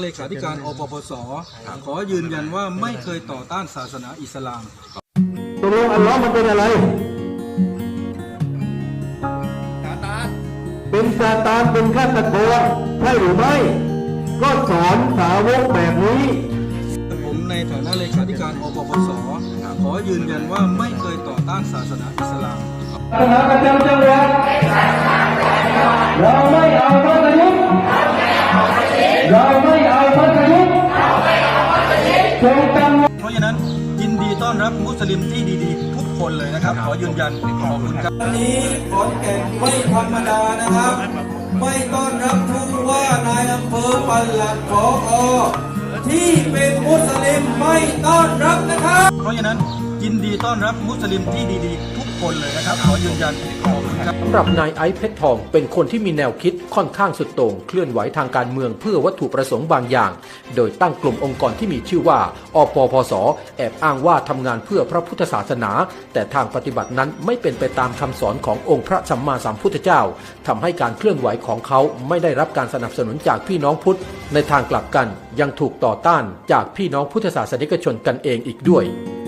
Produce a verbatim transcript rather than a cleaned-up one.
เลขาธิการอปปส.ขอยืนยันว่าไม่เคยต่อต้านศาสนาอิสลามตกลงอัลลอฮ์มันเป็นอะไรซาตานเป็นซาตานเป็นฆาตกรใช่หรือไม่ก็สอนสาวกแบบนี้ผมในฐานะเลขาธิการอปปส.ขอยืนยันว่าไม่เคยต่อต้านศาสนาอิสลามศาสนาประจำจังหวัดเราไม่เอาพระยุทธ์เราไม่เอาพระยุทธ์จงจำเพราะฉะนั้นยินดีต้อนรับมุสลิมที่ดีๆทุกคนเลยนะครับขอยืนยันขอบคุณครับวันนี้ขอนแก่นไม่ธรรมดานะครับไม่ต้อนรับผู้ว่านายอำเภอปลัดผอ.ที่เป็นมุสลิมไม่ต้อนรับนะครับเพราะฉะนั้นยินดีต้อนรับมุสลิมที่ดีๆทุกคนเลยนะครับขอยืนยันขอบคุณครับสำหรับนายไอซ์เพชรทองเป็นคนที่มีแนวคิดค่อนข้างสุดโต่งเคลื่อนไหวทางการเมืองเพื่อวัตถุประสงค์บางอย่างโดยตั้งกลุ่มองค์กรที่มีชื่อว่าอปปส.แอบอ้างว่าทำงานเพื่อพระพุทธศาสนาแต่ทางปฏิบัตินั้นไม่เป็นไปตามคำสอนขององค์พระสัมมาสัมพุทธเจ้าทำให้การเคลื่อนไหวของเขาไม่ได้รับการสนับสนุนจากพี่น้องพุทธในทางกลับกันยังถูกต่อต้านจากพี่น้องพุทธศาสนิกชนกันเองอีกด้วย